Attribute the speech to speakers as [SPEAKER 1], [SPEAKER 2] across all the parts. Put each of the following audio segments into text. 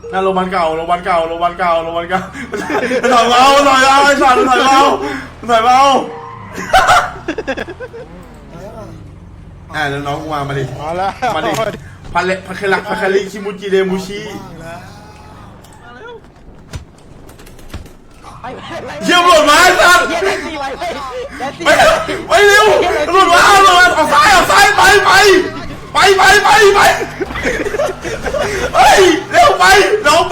[SPEAKER 1] นั่นโรงพยาบาลเก่าถอยเมาไอ้สัตว์ถอยเมาแล้วน้องกูมาดิมาดิพัคาริคิมูจิเรมูชิเยี่ยมหลุดมาไอ้สัตว์ไปเร็วหลุดมาออกซ้ายไปเฮ้ยเร็วไปลงไป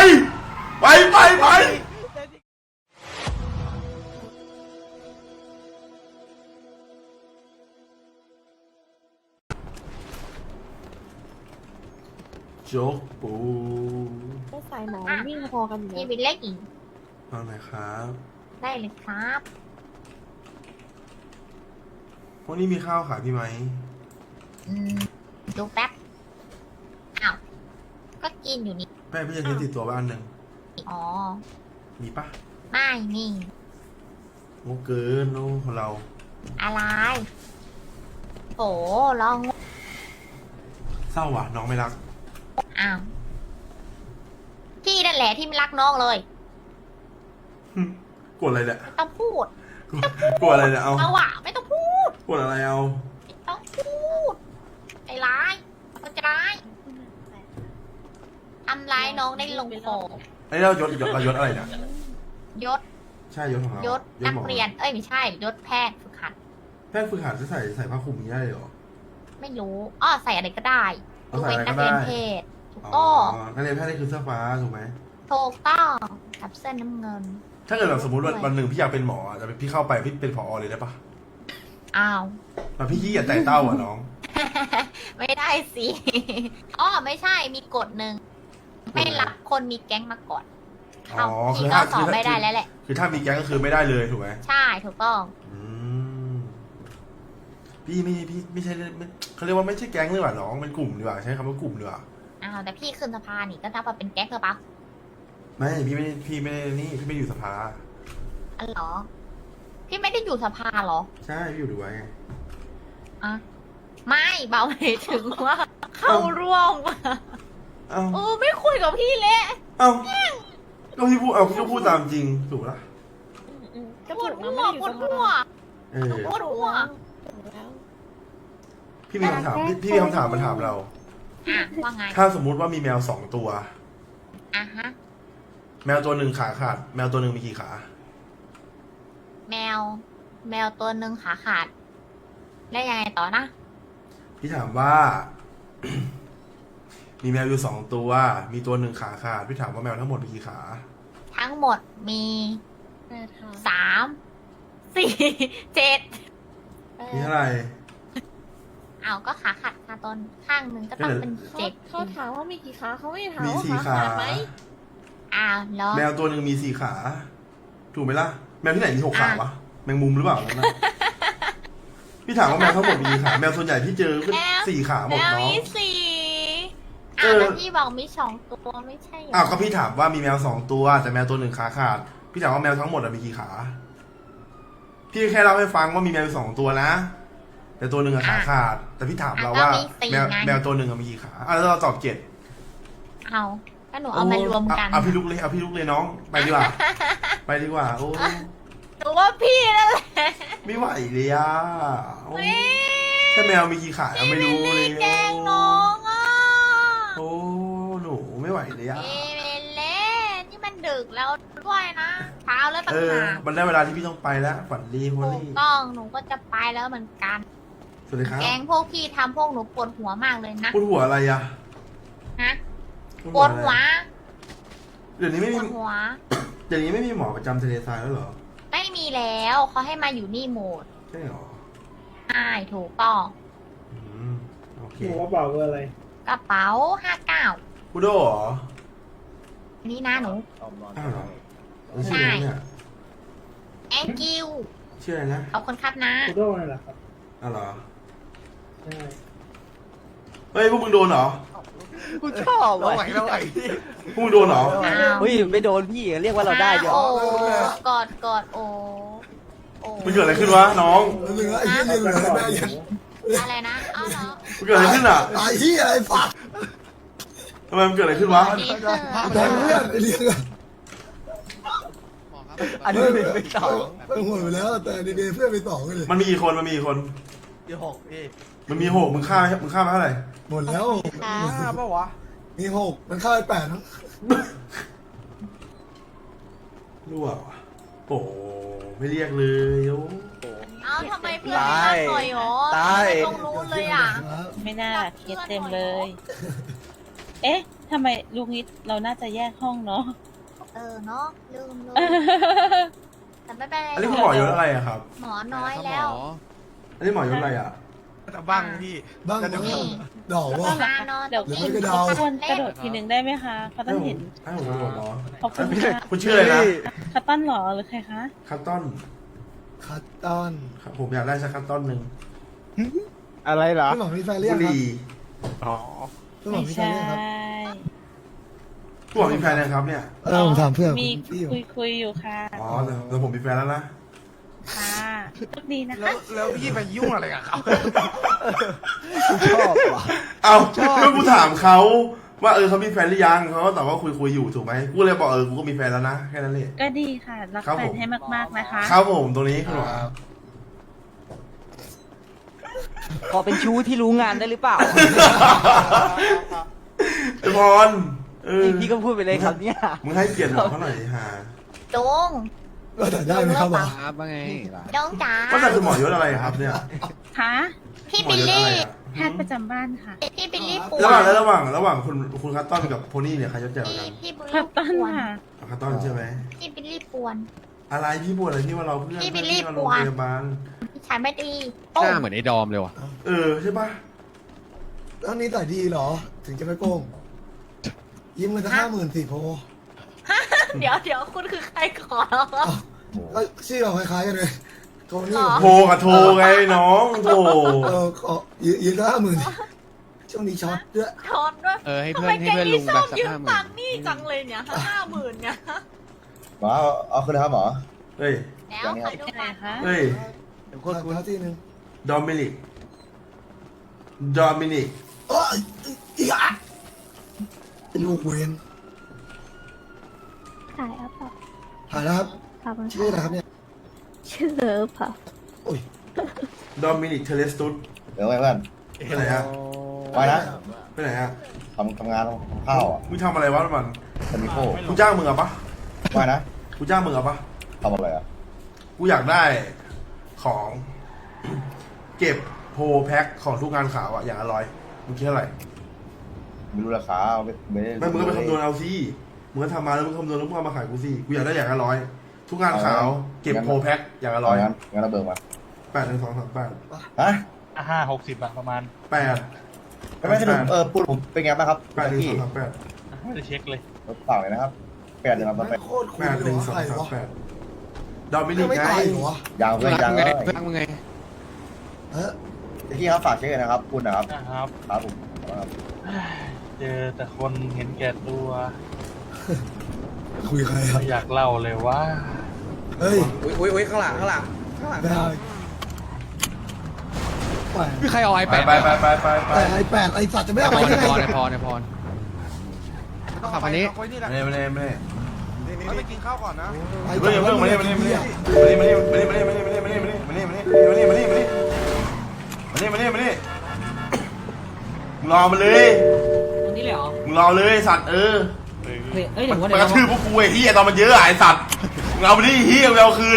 [SPEAKER 1] โจ๊กปู
[SPEAKER 2] ก็สายหมอวิ่งพอกันอยู่
[SPEAKER 3] พี่วินเล็กอีก
[SPEAKER 1] ฟังหน่อยครับ
[SPEAKER 3] ได้เลยครับ
[SPEAKER 1] พวกนี้มีข้าวขายพี่ไหม
[SPEAKER 3] ดูแป๊บอ้าวก็กินอยู่นี่
[SPEAKER 1] แม่พี่จะซื้อติดตัวบ้านหนึ่ง
[SPEAKER 3] อ๋อ
[SPEAKER 1] มีปะ
[SPEAKER 3] ไม่นี่
[SPEAKER 1] โง่เกินโน่ของเรา
[SPEAKER 3] อะไรโอ้ลอง
[SPEAKER 1] เศร้าว่ะน้องไม่รัก
[SPEAKER 3] อ้าวพี่นั่นแหละที่ไม่รักน้องเลย
[SPEAKER 1] กดอะไรเนี่ย
[SPEAKER 3] ต้องพูด
[SPEAKER 1] กดอะไรเนี่ยเอา
[SPEAKER 3] เอาอะไม่ต้องพูด
[SPEAKER 1] กดอะไรเอา
[SPEAKER 3] ไม่ต้องพูดใจร้ายมันจะร้ายทำร้ายน้องได้ลงคอ
[SPEAKER 1] ไอ้เรายศอะไรเนี่ย
[SPEAKER 3] ยศ
[SPEAKER 1] ใช่ยศของเรา
[SPEAKER 3] ยศนักเรียนเอ้ยไม่ใช่ยศแพทย์ฝึกหัด
[SPEAKER 1] แพทย์ฝึกหัดจะใส่ผ้าคลุมนี้ได้เลยเหรอ
[SPEAKER 3] ไม่รู้อ้อใส่อะไรก็ได้
[SPEAKER 1] เอา
[SPEAKER 3] ดู
[SPEAKER 1] ใส่
[SPEAKER 3] เป็น
[SPEAKER 1] อะไร
[SPEAKER 3] นั
[SPEAKER 1] ก็
[SPEAKER 3] ก
[SPEAKER 1] ได้
[SPEAKER 3] เรียนเพศถูก
[SPEAKER 1] อ๋
[SPEAKER 3] ต้
[SPEAKER 1] อ
[SPEAKER 3] อง
[SPEAKER 1] นักเรียนแพทย์นี่คือเสื้อฟ้าถูกไหม
[SPEAKER 3] ถูกต้องกับเส้นน้ำเงิน
[SPEAKER 1] ถ้าเกิดแบบสมมติวันหนึ่งพี่อยากเป็นหมอจะพี่เข้าไปพี่เป็นผอเลยได้ปะ
[SPEAKER 3] อ้าว
[SPEAKER 1] แบบพี่ขี้เกียจไต่เต้าอ่ะน้อง
[SPEAKER 3] ไม่ได้สิ อ้อไม่ใช่มีกฎหนึ่งไม่รับคนมีแก๊งมาก่อน
[SPEAKER 1] อ๋อ
[SPEAKER 3] พี่
[SPEAKER 1] คือ
[SPEAKER 3] ก็
[SPEAKER 1] ถ้า
[SPEAKER 3] สอบไม่ได้แล้วแหละ
[SPEAKER 1] คือถ้ามีแก๊งก็คือไม่ได้เลยถูกไหม
[SPEAKER 3] ใช่ถูกต้อง
[SPEAKER 1] อืมพี่ไม่ใช่เขาเรียกว่าไม่ใช่แก๊งเลยว่ะน้องเป็นกลุ่มดีกว่าใช้คำว่ากลุ่มดีกว่า
[SPEAKER 3] อ้าวแต่พี่ขึ้นสะพานนี่ก็นับว่าเป็นแก๊งเธอปะ
[SPEAKER 1] ไม่พี่ไม่นี่พี่ไม่อยู่สภา
[SPEAKER 3] อ๋อเหรอ พี่ไม่ได้อยู่สภาเหรอ
[SPEAKER 1] ใช่พี่อยู่ดูไว้ไง
[SPEAKER 3] อ่ะไม่เบาหมายถึงว่าเข้าร่วม
[SPEAKER 1] เอ้า
[SPEAKER 3] ไม่คุยกับพี่เลย
[SPEAKER 1] เอ้าก็พี่พูดพี่ก็พูดตามจริงถูกปะ
[SPEAKER 2] ก็
[SPEAKER 3] ปว
[SPEAKER 2] ถู
[SPEAKER 3] ด
[SPEAKER 2] ก
[SPEAKER 3] หั
[SPEAKER 2] นะ
[SPEAKER 3] ว
[SPEAKER 2] ไม่อยู่
[SPEAKER 3] ปว
[SPEAKER 2] ส
[SPEAKER 3] ด
[SPEAKER 2] ภา
[SPEAKER 3] หัว
[SPEAKER 1] เออ
[SPEAKER 3] ปวดหัว
[SPEAKER 2] แล้ว
[SPEAKER 1] พี่มีคำถามพี่มีคำถามมาถามเรา
[SPEAKER 3] อ่ะว่าไง
[SPEAKER 1] ถ้าสมมุติว่ามีแมว2 ตัว
[SPEAKER 3] อ่ะฮะ
[SPEAKER 1] แมวตัวหนึ่งขาขาด แมวตัวหนึ่งมีกี่ขา
[SPEAKER 3] แมวตัวหนึ่งขาขาด แล้วยังไงต่อนะ
[SPEAKER 1] พี่ถามว่า มีแมวอยู่2 ตัว มีตัวหนึ่งขาขาด พี่ถามว่าแมวทั้งหมดมีกี่ขา
[SPEAKER 3] ทั้งหมดมี
[SPEAKER 2] 8 ค่ะ
[SPEAKER 3] 3 4 7
[SPEAKER 1] มีเท่าไหร่
[SPEAKER 3] เอาก็ขาขาดขาต้นข้างหนึ่งก็ต้องเป็น7
[SPEAKER 2] เขาถามว่ามีกี่ขาเขาไม่ได้ถาม
[SPEAKER 1] มี
[SPEAKER 2] ว่า
[SPEAKER 1] 4
[SPEAKER 2] ขา
[SPEAKER 1] ขา
[SPEAKER 2] ขาดไหม
[SPEAKER 3] อ้าวเหรอ
[SPEAKER 1] แมวตัวหนึ่งมี4 ขา ถูกไหมล่ะ แมวที่ไหนมี6 ขาวะ แมงมุมหรือเปล่านั่นนะพี่ถามว่าแมวทั้งหมดมีกี่ขา แมวส่วนใหญ่ที่เจอเป็น4 ขาหม
[SPEAKER 3] แม
[SPEAKER 1] ด
[SPEAKER 3] ว
[SPEAKER 1] เนาะ
[SPEAKER 3] มี4
[SPEAKER 1] เอ
[SPEAKER 3] อ้าว
[SPEAKER 1] อ
[SPEAKER 3] แล้วพี่บอกมี2 ตัวไม่ใช่เหรอ
[SPEAKER 1] อ้าวก็พี่ถามว่ามีแมว2 ตัว แต่แมวตัวหนึ่งขาขาด พี่ถามว่าแมวทั้งหมดมีกี่ขา พี่แค่เล่าให้ฟังว่ามีแมว2 ตัวนะ แต่ตัวหนึ่งขาขาด แต่พี่ถามเราว่าแมวตัวหนึ่งมีกี่ขาแล้วเราตอบ7
[SPEAKER 3] เอาก็หนูเอามารวมกัน
[SPEAKER 1] เอาพี่ลุกเลยน้อง ไปดีกว่า ไปดีกว่า โอ้
[SPEAKER 3] หนูว่าพี่นั่นแหละ
[SPEAKER 1] ไม่ไหวเลยอ่ะโอ้แค่แมวมีกี่ขาไม่รู้เลย
[SPEAKER 3] แกล้งน้องอ่ะ
[SPEAKER 1] โอ้หนูไม่ไหวเลยอ่ะ
[SPEAKER 3] เอเมเล่นี่มันดึกแล้วด้วยนะเช้าแล้วต่าง
[SPEAKER 1] เออ
[SPEAKER 3] หาก
[SPEAKER 1] มันได้เวลาที่พี่ต้องไปแล้วฝันดีโฮ
[SPEAKER 3] ถูก
[SPEAKER 1] ลี่
[SPEAKER 3] ต้องหนูก็จะไปแล้วเหมือนกัน
[SPEAKER 1] สวัสดีครับ
[SPEAKER 3] แกงพวกพี่ทำพวกหนูปวดหัวมากเลยนะ
[SPEAKER 1] ปวดหัวอะไรอ่ะ
[SPEAKER 3] ฮะปวดหัว
[SPEAKER 1] เดี๋ยวนี้ไม่
[SPEAKER 3] ป
[SPEAKER 1] มี
[SPEAKER 3] วดหัว
[SPEAKER 1] เดี๋ยวนี้ไม่มีหมอประจำทะเลทรายแล้วเหรอ
[SPEAKER 3] ไม่มีแล้วเขาให้มาอยู่นี่หมด
[SPEAKER 1] ใช่เหรอ
[SPEAKER 3] ใช่ถูกต้อง
[SPEAKER 1] อืมโอเค
[SPEAKER 4] หนูกระเป๋าเบอร์อะไร
[SPEAKER 3] กระเป๋า59
[SPEAKER 1] พุดโดเหรอ
[SPEAKER 3] นี่นะหนู
[SPEAKER 1] อ้าวเหรอชื่ออะไรเนี่ย
[SPEAKER 3] thank you
[SPEAKER 1] ชื่ออะไรนะ
[SPEAKER 3] ขอบคุณครับนะ
[SPEAKER 4] คูโดนั่นแหละครับ
[SPEAKER 1] อ้าวเหรอ
[SPEAKER 4] ใช่
[SPEAKER 1] เฮ้ยพวกมึงโดนเหรอ
[SPEAKER 5] กูชอบว่ะ
[SPEAKER 1] พวกมึงโดนเหรอ
[SPEAKER 3] อ้าว
[SPEAKER 5] เฮ้ยไม่โดนพี่เรียกว่าเราได้เดี๋ยว
[SPEAKER 3] โอ้กอดโอ้โอ้
[SPEAKER 1] มันเกิดอะไรขึ้นวะน้อง
[SPEAKER 6] เหลือไอ้เหี้ยเหลือแม่ยัง
[SPEAKER 3] อะไรนะอ้าวเหรอ
[SPEAKER 1] มันเกิดอะไรขึ้นอ่ะ
[SPEAKER 6] ไอ้เหี้ยไอ้ฝัก
[SPEAKER 1] เทำไมมันเกิดอะไรขึ้นวะ
[SPEAKER 3] ดีเซอร์
[SPEAKER 6] แต่เพื่อนไอ้เลี้ยงอะ
[SPEAKER 5] อันนี้เป็นสอง
[SPEAKER 6] ไปหมดไปแล้วแต่ดีเพื่อนไปสองกันเลย
[SPEAKER 1] มันมีกี่คนมันมีกี่คน
[SPEAKER 5] ที่หกพี่
[SPEAKER 1] มันมีหกมึงฆ่ามาเท่าไหร่
[SPEAKER 6] หมดแล้ว
[SPEAKER 5] ห้าปะวะ
[SPEAKER 6] มีหกมันเข้าไปแปด
[SPEAKER 1] รั่ววะโอ้ไม่เรียกเลยโอ้
[SPEAKER 3] เอ้าทำไมเพื่อนไม่มาหน่อยหรอทำไมต้องรู้เลยอ่ะ
[SPEAKER 2] ไม่น่าเคสเต็มเลย เอ๊ะทำไมลุงนิดเราน่าจะแยกห้องเนาะ
[SPEAKER 3] เนาะลืมแต่ไม่เป็นไร
[SPEAKER 1] อันนี้คุณหมอยศอะไรอะครับ
[SPEAKER 3] หมอน้อยแล้ว
[SPEAKER 1] อันนี้หมอยศอะไรอะ
[SPEAKER 5] บ้างพี่
[SPEAKER 6] บ้างมั้งดอกว่า
[SPEAKER 3] มานอน
[SPEAKER 2] เดี๋ยว
[SPEAKER 6] หรือ
[SPEAKER 2] คุ
[SPEAKER 6] ไม่
[SPEAKER 2] ณ
[SPEAKER 6] ก็เดา
[SPEAKER 2] ควรกระโดดทีหนึ่งได้ไหมคะเขาต้องเห็น
[SPEAKER 1] ให้ผมกระโดดเหรอ
[SPEAKER 2] ขอบคุณค่ะ
[SPEAKER 1] คุณชื่ออะไรนะ
[SPEAKER 2] คัตตันเหรอหรือใครคะ
[SPEAKER 1] คัตตอน
[SPEAKER 6] คัตตอน
[SPEAKER 1] ครับผมอยากได้สักคัตตอนหนึ่ง
[SPEAKER 5] อะไรเหรอ
[SPEAKER 6] พี่หมอมีแฟนเรีย
[SPEAKER 1] บุ
[SPEAKER 6] ก
[SPEAKER 1] ห
[SPEAKER 6] ครับ
[SPEAKER 1] รี่
[SPEAKER 5] อ๋อ
[SPEAKER 6] พี่หมอ
[SPEAKER 2] ไม่
[SPEAKER 6] มีแฟน
[SPEAKER 2] ใช่
[SPEAKER 6] เรียกครับ
[SPEAKER 1] คุณหมอมีแฟนยังครับเนี่ย
[SPEAKER 6] ผมถามเพื่อน
[SPEAKER 2] มี
[SPEAKER 6] พี่อยู่
[SPEAKER 2] คุยอยู่ค่ะ
[SPEAKER 1] อ๋อแต่ผมมีแฟนแล้วนะ
[SPEAKER 2] ค่ะโชคดีนะคะ
[SPEAKER 5] แล้วพี่ไปยุ่งอะไรกับเขาชอบว่ะ
[SPEAKER 1] เอา
[SPEAKER 5] ชอบ
[SPEAKER 1] เมื่อกูถามเขาว่าเขามีแฟนหรือยังเขาก็ตอบว่าคุยอยู่ถูกไหมกูเลยบอกกูก็มีแฟนแล้วนะแค่นั้นเลย
[SPEAKER 2] ก็ดีค่ะ รัก
[SPEAKER 1] ครับ
[SPEAKER 2] แฟ
[SPEAKER 1] ผ
[SPEAKER 2] น
[SPEAKER 1] ม
[SPEAKER 2] ให้มากๆนะคะ
[SPEAKER 1] ครับผมตรงนี้คุณหมอ
[SPEAKER 5] ขอเป็นชู้ที่รู้งานได้หรือเปล่า
[SPEAKER 1] ไอ้บอล
[SPEAKER 5] พี่ก็พูดไปเลยครับเนี่ย
[SPEAKER 1] มึงให้เกียรติหมอเขาหน่อยดิฮะ
[SPEAKER 3] จง
[SPEAKER 6] ก็แต่ได้ไหมครับหมอ
[SPEAKER 7] ครับว่าไง
[SPEAKER 3] จงจ๋า
[SPEAKER 1] ว่าแต่คุณหมอยศอะไรครับเนี่ย
[SPEAKER 2] คะ
[SPEAKER 3] พี่
[SPEAKER 1] หมอ
[SPEAKER 3] บิล
[SPEAKER 1] ยศอะไร
[SPEAKER 3] ลี่
[SPEAKER 1] อะ
[SPEAKER 2] แพทย์ประจำบ้านค่ะ
[SPEAKER 3] พี่บิลลี่ป่ว
[SPEAKER 1] ระหว่าง
[SPEAKER 3] ย
[SPEAKER 1] ระหว่างคุณคัตตอนกับโพนี่เนี่ยใครยศใหญ่กว่ากัน
[SPEAKER 3] พี่บิล
[SPEAKER 2] คั
[SPEAKER 3] ลี่
[SPEAKER 2] ตตัน
[SPEAKER 3] ป่วน
[SPEAKER 2] ค่ะ
[SPEAKER 1] คัตตอนใช่ไหม
[SPEAKER 3] พี่บิลลี่ป่วน
[SPEAKER 1] อะไรพี่ปวดอะไรที่ว่าเราเพื่อน
[SPEAKER 3] พี่บิลลี่
[SPEAKER 1] ที่มา
[SPEAKER 3] ป
[SPEAKER 1] โรง
[SPEAKER 3] วด
[SPEAKER 1] พยาบาล
[SPEAKER 3] พี่ชายไม่ดี
[SPEAKER 7] หน้าเหมือนไอ้ดอมเลยว่ะ
[SPEAKER 1] ใช่ปะ
[SPEAKER 6] ตอนนี้ต่อยดีเหรอ ถึงจะไม่โกงยิ้มเงินจะ50,000สิโพ
[SPEAKER 3] เดี๋ยวคุณคือใครขอ
[SPEAKER 6] ก็ชื่อเราคล้ายๆกันเลยโทนี่
[SPEAKER 1] โทรกับโทรไงน้องโทร
[SPEAKER 6] ขอยืนก็50,000ช่วงนี้ช็อตด้วย
[SPEAKER 3] ทอนด้วย
[SPEAKER 7] ให้
[SPEAKER 3] ทำ
[SPEAKER 7] เพื่อ
[SPEAKER 3] ไม
[SPEAKER 7] นให้
[SPEAKER 3] แก
[SPEAKER 7] เพื่อน
[SPEAKER 3] นี่
[SPEAKER 7] ลุง
[SPEAKER 3] ช
[SPEAKER 7] แบ
[SPEAKER 3] อ
[SPEAKER 7] บบ สัก
[SPEAKER 3] ยืม
[SPEAKER 7] 50,000
[SPEAKER 3] ตังค์นี่จังเลยเนี่ย50,000เนี่ย
[SPEAKER 8] หมอเอาขึ้นเลยครับหมอ
[SPEAKER 1] เฮ้ย
[SPEAKER 3] แล้วขอดู
[SPEAKER 2] อะไร
[SPEAKER 3] บัตร
[SPEAKER 2] คะ
[SPEAKER 1] เฮ้ย
[SPEAKER 6] โคตรเท่าที่นึง
[SPEAKER 1] ดอมินิก
[SPEAKER 6] โอ้ยอีกอ่ะลูกเวน
[SPEAKER 9] ถ่ายอัพเปล่า
[SPEAKER 6] ถ่ายแล้วครับ
[SPEAKER 9] ขอบคุณ
[SPEAKER 6] ชื่ออะไรครับเนี่ย
[SPEAKER 9] ชื่อเลิฟค่ะ
[SPEAKER 6] โอ้ย
[SPEAKER 1] ดอมินิกเทเลสตุส
[SPEAKER 8] เดี๋ยวไว้เพื่อน
[SPEAKER 1] ไปไหนฮะ
[SPEAKER 8] ไว้นะ
[SPEAKER 1] ไปไหนฮะ
[SPEAKER 8] ทำงานทำข้าวอ่ะ
[SPEAKER 1] มึงทำอะไรวะมัน
[SPEAKER 8] จะมีโค้
[SPEAKER 1] กูจ้างมึงอะปะ
[SPEAKER 8] ไว้นะ
[SPEAKER 1] กูจ้างมึงอะปะ
[SPEAKER 8] ทำอะไรอ่ะ
[SPEAKER 1] กูอยากได้ของ เก็บโพลแพ็คของทุกงานข่าวอะอย่างละ100มึงคิดเท่าไหร่
[SPEAKER 8] ไม่รู้ราคาไม่ได้
[SPEAKER 1] ไม่มึงก็ไปคำนวณเอาสิมึงก็ทำมาแล้วมึงคำนวณแล้วมึงเอามาขายกูสิกูอยากได้อย่างละ100ทุกงานข่าวเก็บโพลแพ็คอย่างละ
[SPEAKER 8] งั้นเราเบิกมา
[SPEAKER 1] 100 8 1 2 3 8
[SPEAKER 8] ฮะ
[SPEAKER 10] 50อะประมาณ
[SPEAKER 1] 8
[SPEAKER 8] ไม่สนุกพูดผมเป็นไงบ้างครับ
[SPEAKER 1] 8 1
[SPEAKER 8] พี่
[SPEAKER 1] 2 3 8
[SPEAKER 10] ไม่ได้เช็คเลย
[SPEAKER 8] รถเปล่าเลยนะครับ8 1 3
[SPEAKER 6] ไม่
[SPEAKER 8] 8
[SPEAKER 6] โคตรคูล
[SPEAKER 1] 8
[SPEAKER 6] เลย
[SPEAKER 1] 1
[SPEAKER 6] ใครวะ
[SPEAKER 1] 2 3 8ดอมินิก
[SPEAKER 6] ไม่
[SPEAKER 1] ไง
[SPEAKER 6] ตายเหรอวะ
[SPEAKER 8] ยางเพื่อนยางเลย
[SPEAKER 7] เพื่อนมึงไง
[SPEAKER 6] เฮ้ย
[SPEAKER 8] พี่ครับฝากเช็คเลยนะครับคุณนะครับ
[SPEAKER 10] นะครับ
[SPEAKER 8] ครับผมครับ
[SPEAKER 10] เจอแต่คนเห็นแก่ตัว
[SPEAKER 6] คุยใครครับ
[SPEAKER 10] ไม่อยากเล่าเลยว่า
[SPEAKER 6] เฮ้ย
[SPEAKER 5] อุ้ยข้างหลัง
[SPEAKER 6] ไม่ได้แปด
[SPEAKER 7] คือใครเอาไอ
[SPEAKER 1] ไป
[SPEAKER 7] แปด
[SPEAKER 6] แต่ไอ้แปดไอ้สัตว์จะไม่เอา
[SPEAKER 7] พ
[SPEAKER 6] ไป
[SPEAKER 7] ร
[SPEAKER 6] ได้ไง
[SPEAKER 7] ในพรต้องขับคันนี้
[SPEAKER 1] ไม่ได้
[SPEAKER 5] เอาไปกินข้าวก่อนนะ
[SPEAKER 6] ไอ้
[SPEAKER 1] เพิ่งมานี่มึงรอมาเลย
[SPEAKER 11] ตรงนี้เลยเหรอ
[SPEAKER 1] มึงรอเลยสัตว์
[SPEAKER 11] เฮ้ยเดี๋ยวว่า
[SPEAKER 1] มัน
[SPEAKER 11] เดี๋ยว
[SPEAKER 1] กระทืบพวกกูไอ้เฮียตอนมันเยอะไอ้สัตว์มึงเอาไปดิเฮียมึงเอาคืน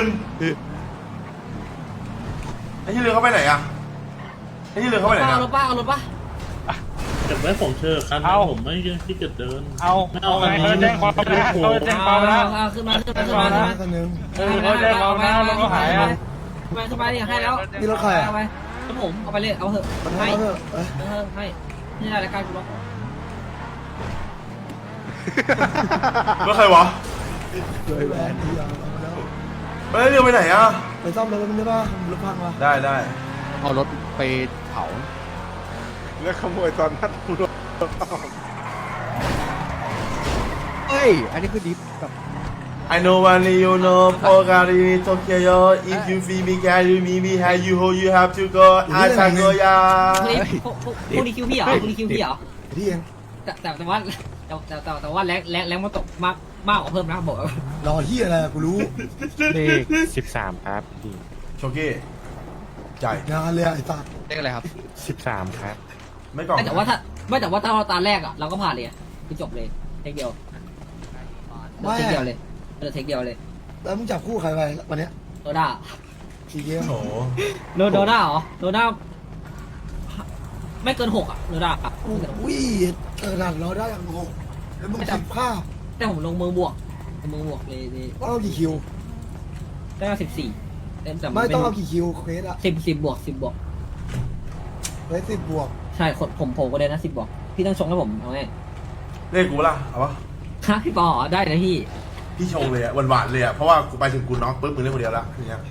[SPEAKER 1] ไอ้ที่เรือเขาไปไหนอะไอ้ที่เรือเขาไปไหน
[SPEAKER 11] เอา
[SPEAKER 1] นะ
[SPEAKER 11] รถป้าเอารถป้า
[SPEAKER 10] เก็บไว้ผมเชิญครับผมไม่ที่จะเดินเอาไงเขาแจ้งความแล้วเขาแจ้งความแล้ว
[SPEAKER 11] เอาขึ้นมา
[SPEAKER 6] คนนึง
[SPEAKER 10] เขาแจ้งความแล้วแล้วก็หายอ่ะ
[SPEAKER 11] ไปสบายดิให้แล้ว
[SPEAKER 6] นี่รถใครอ่ะ
[SPEAKER 11] เอาไปรถผมเอาไปเลยเอาเถอะ
[SPEAKER 6] มัน
[SPEAKER 11] ให้
[SPEAKER 6] ให้เถอะเอ้ย
[SPEAKER 11] ให้นี่รายการกูล็อก
[SPEAKER 1] แล้วใครวะ
[SPEAKER 6] เลยแหวนที่ยาวเอามาแล้ว
[SPEAKER 1] ไปเรือไปไหนอะ
[SPEAKER 6] ไปซ่อมรถมันได้ป่ะรถพังวะ
[SPEAKER 1] ได้
[SPEAKER 7] เอารถไปเผา
[SPEAKER 5] แล้วขโมยตอนนัดรถ
[SPEAKER 7] เฮ้ย อันนี้คือดิฟแบบ
[SPEAKER 1] I know when you know Pogari Tokyo if you feel me carry me how you hold you have to go I can go ya
[SPEAKER 11] คุณดีคิวพี่เหรอคุณดีคิวพี่เหรอ
[SPEAKER 6] ที่เอง
[SPEAKER 11] แต่ว่าแรงมันตกมากกว่าเพิ่มนะบอก
[SPEAKER 6] รอที่อะไรกูรู้
[SPEAKER 10] เลข13ครับพี่
[SPEAKER 1] โชกี้จ่าย
[SPEAKER 6] งานเลยไอ้สัส
[SPEAKER 7] เลขอะไรครับ
[SPEAKER 10] 13ครับ
[SPEAKER 1] ไม่กล่อง
[SPEAKER 11] แต่ว่าถ้าเราตาแรกอ่ะเราก็ผ่านเลยคือจบเลยเทคเดียวเทคเดียวเลยเทคเดียวเลย
[SPEAKER 6] แล้วมึงจับคู่ใครไปวันเนี้ย
[SPEAKER 11] โดด้า
[SPEAKER 6] กี่เกม
[SPEAKER 1] โอ้โห
[SPEAKER 11] โดด้าเหรอโดด้าไม่เกิน6อ่ะโดด้า
[SPEAKER 6] อุ้ยนั่นเราได้อย่างงงแล้วมึงสิบภาพ
[SPEAKER 11] แต่ผมลงมือบวกเลย
[SPEAKER 6] ต้องเอากี่คิว
[SPEAKER 11] ได้14แต่
[SPEAKER 6] ไม่ต้องเอากี่คิวเควสอะ
[SPEAKER 11] 10บวก
[SPEAKER 6] เควส10 บวก
[SPEAKER 11] ใช่ผมก็ได้นะ10บวกพี่ต้องชงให้ผมเอาไง
[SPEAKER 1] เลขกูล่ะเอาปะ
[SPEAKER 11] ฮะพี่ปอได้นะพี่
[SPEAKER 1] พี่ชงเลยอะหวานๆเลยอะเพราะว่ากูไปถึงกูน็อกปุ๊บมึงเล่นคนเดียวละอย่างเงี้ย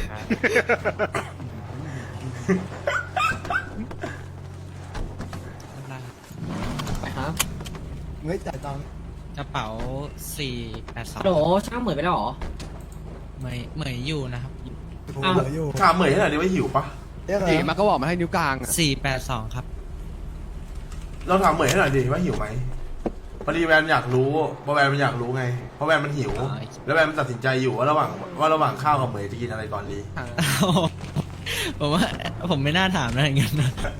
[SPEAKER 11] ไปครับ
[SPEAKER 6] มึงให้จ่ายตังค์
[SPEAKER 12] กระเป๋า482
[SPEAKER 11] โหช่างเหมือนไปแล้วเหรอ
[SPEAKER 12] เหมยอยู่นะครับ
[SPEAKER 6] กูเหลืออยู่
[SPEAKER 1] ถามเหมยให้หน่อยดิว่าหิวปะ
[SPEAKER 6] เรียกอะไร
[SPEAKER 7] ตีมันก็บอกมาให้นิ้วกลางอะ
[SPEAKER 12] 482 ครับ
[SPEAKER 1] เราถามเหมยให้หน่อยดิว่าหิวไหมพอดีแวนอยากรู้เพราะแวนมันอยากรู้ไงเพราะแวนมันหิว แล้วแวนมันตัดสินใจอยู่ว่าระหว่างข้าวกับเหมยจะกินอะไรก่อนดี
[SPEAKER 12] ผมว่าผมไม่น่าถามนะอย่างนั้นนะ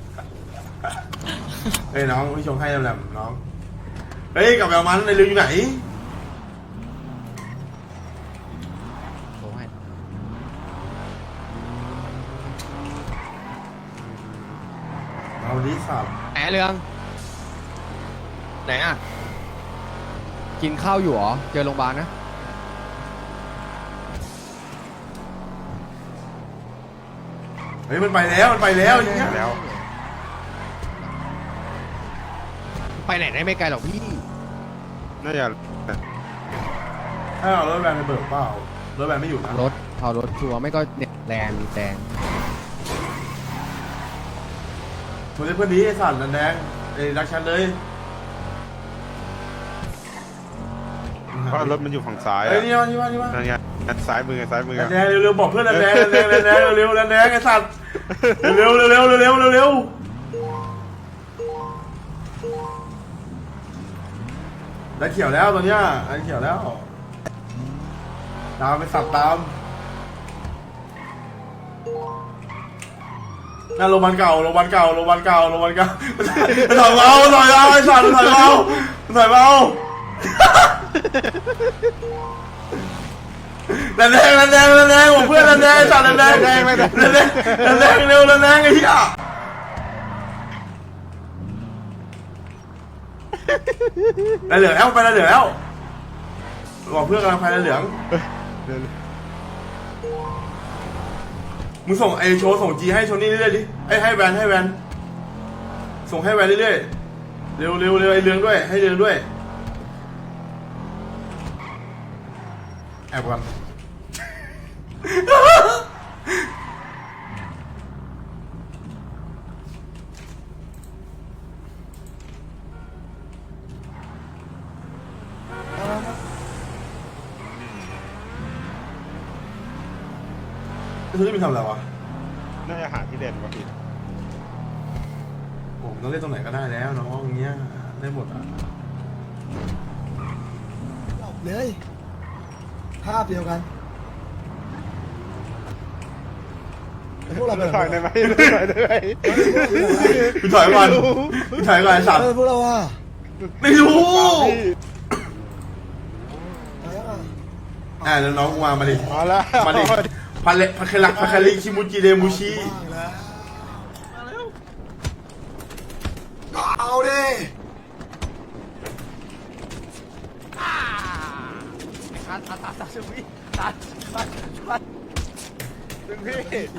[SPEAKER 1] เฮ้ยน้องพี่ชงให้แหลมน้องเฮ้ยกับแววมันในเรืออยู่ไหน
[SPEAKER 7] โอ้ย
[SPEAKER 1] เอาดิสับ
[SPEAKER 7] ไหนเรืองไหนอ่ะกินข้าวอยู่เหรอเจอโรงพยาบาลนะ
[SPEAKER 1] เฮ้ยมันไปแล้วอย่างเงี้ย
[SPEAKER 5] แล้ว
[SPEAKER 7] ไปไหนได้ไม่ไกลหรอกพี่
[SPEAKER 5] น่าจะ
[SPEAKER 1] ให้เอารถแวนไปเบิกเปล่ารถแวนไม่อยู่นะ
[SPEAKER 7] รถเอารถชัวร์ไม่ก็เนี่ยแรงแดง
[SPEAKER 1] มันเป็นเพื่อนดีไอ้สัตว์นันแดงไอ้รักฉันเลย
[SPEAKER 5] เพราะรถมันอยู่ฝั่งซ้าย
[SPEAKER 1] เฮ้ย
[SPEAKER 5] อะ
[SPEAKER 1] นี่มานี่มานี่มา
[SPEAKER 5] นั่นไงซ้ายมือ
[SPEAKER 1] นันแดงเร็วๆบอกเพื่อนนันแดงเร็วๆนันแดงไอ้สัตว์เร็วได้เขียวแล้วตอนเนี้ยได้เขียวแล้วตามไปสับตามนั่นโรงพยาบาลเก่าถอยเอาไอ้สัตว์ถอยเอานันแดงบอกเพื่อนนันแดงสัตว์นันแดงเร็วนันแดงไอ้เหี้ยแล้วเหลืองแล้วไปแล้วเหลืองแล้วบอกเพื่อนกำลังไปแล้วเหลืองมึงส่งไอโชว์ส่งจีให้โชนี่เรื่อยๆดิให้แวนส่งให้แวนเรื่อยๆเร็วไอเรืองด้วยให้เรืองด้วยแอบกันคุณจะมีทำอะไรวะ
[SPEAKER 5] น่าจะหาที่เด่นกว่าพี่
[SPEAKER 1] ผมต้องเล่นตรงไหนก็ได้แล้วน้องอย่างเงี้ยได้หมดอ่ะ
[SPEAKER 6] จบเลยภาพเดียวกันไอ้พวกเราเป็น
[SPEAKER 5] ถอยได้ไหมถอยได้ไหม
[SPEAKER 1] พี่ถอยก่อนไอ้สัตว์
[SPEAKER 6] พวกเราว่า
[SPEAKER 1] ไม่รู้
[SPEAKER 6] อะไรอ่ะ
[SPEAKER 1] แล้วน้องกูมาดิ
[SPEAKER 5] มาแล้ว
[SPEAKER 1] มาดิพัคาริคิมูจิเดมูชิ
[SPEAKER 6] เอาดิ
[SPEAKER 5] ดึงพี่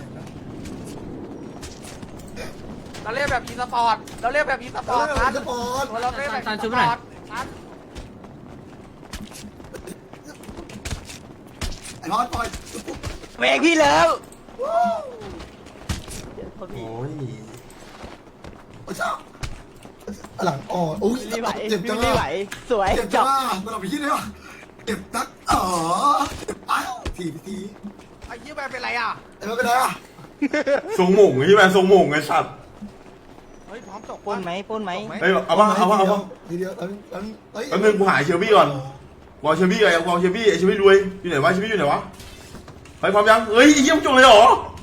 [SPEAKER 12] เราเรียกแบบอีสปอร์ตครับ
[SPEAKER 6] เราเล่นแบบสปอร์ต
[SPEAKER 12] เราเรียกแบบ
[SPEAKER 11] ซันชุบหน่อย
[SPEAKER 6] ไอ้พอดปล่อย
[SPEAKER 12] เบรกพี่แล้ว
[SPEAKER 1] โอ้ย
[SPEAKER 6] โอ้เจ้าหลังอ่อนโอ้ยเจ็บจังอ่ะ
[SPEAKER 12] สวย
[SPEAKER 6] เจ็บจังอ่ะมันเอาไปคิดได้ปะเจ็บนักอ้าวที
[SPEAKER 12] ไอ้ยี่แบเป็นไรอ่ะ
[SPEAKER 6] ไอ้ไม่เป็นไรอ่ะ
[SPEAKER 1] ทรงหม่งไอ้แวนทรงหม่งไอ้สัตว์
[SPEAKER 7] เฮ้ยพร้อมจบ
[SPEAKER 12] ปนไหมปนไหม
[SPEAKER 1] เฮ้ยเอาป่ะเอาป่ะเอาป่ะ
[SPEAKER 6] ทีเดียวเอ้ย
[SPEAKER 1] แป๊บนึงกูหาเชลบี้ก่อนวางเชลบี้ก่อนวางเชลบี้ไอเชลบี้รวยอยู่ไหนวะเชลบี้อยู่ไหนวะไปพร้อมยังเฮ้ยไอ้เหี้ยมึงจงเลยเหรอ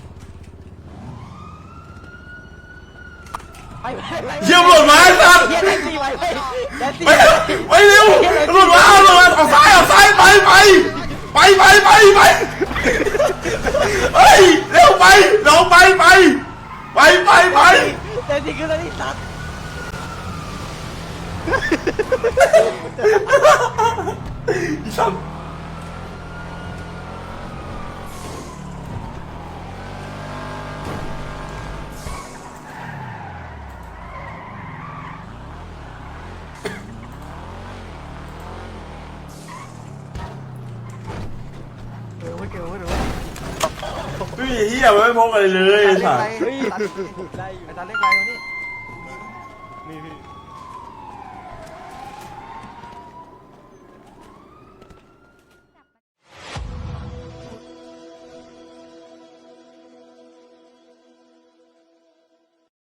[SPEAKER 1] เชี่ยหลุดมาไอ้สัสไปเร็วหลุดมาเอาซ้ายไปเฮ้ยเร็วไปลงไป
[SPEAKER 7] เต็มที่คือแล้วนี่สัตว์
[SPEAKER 1] อีสัสไม่มีเหี้ยไม่พกอะไรเลยไอ้สัส
[SPEAKER 7] เฮ้ยตัดไอ้ตัดเล็กไรวะนี่